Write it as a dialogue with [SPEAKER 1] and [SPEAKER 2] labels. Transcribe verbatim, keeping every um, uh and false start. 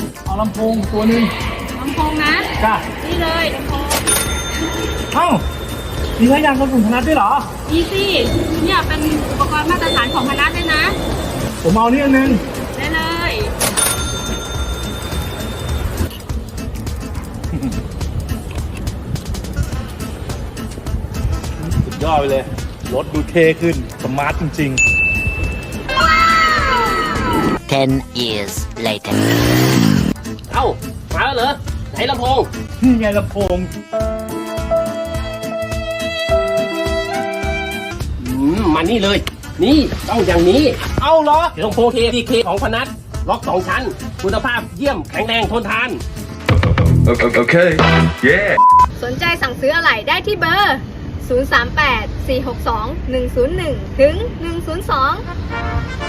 [SPEAKER 1] เอาลำโพงตัวหนึ่ง
[SPEAKER 2] ลำโพงนะ
[SPEAKER 1] จ้ะ
[SPEAKER 2] นี่เลยลำโพง
[SPEAKER 1] เอ้ามีระยางกระสุนพนัดด้วยเหรอ
[SPEAKER 2] นี่สิเนี่ยเป็นอุปกรณ์มาตรฐานของพนัสด้วยนะ
[SPEAKER 1] ผมเอานี่อันนึง
[SPEAKER 2] ได้เลย
[SPEAKER 1] สุดยอดไปเลยรถดูเท่ขึ้นสมาร์ทจริงๆ
[SPEAKER 3] ten years later
[SPEAKER 4] เอ้ามาแล้วเหรอไหนลำโพง
[SPEAKER 1] นี่ไงลำโพง
[SPEAKER 4] อืมมานี่เลยนี่ต้องอย่างนี้
[SPEAKER 1] เอ้าเหรอ
[SPEAKER 4] ลำโพง เค ดี เค ของพนัสล็อกสองชั้นคุณภาพเยี่ยมแข็งแรงทนทาน
[SPEAKER 5] โอเคเย้
[SPEAKER 2] สนใจสั่งซื้ออะไหล่ได้ที่เบอร์ศูนย์ สาม แปด สี่ หก สอง หนึ่ง ศูนย์ หนึ่ง ถึง หนึ่ง ศูนย์ สอง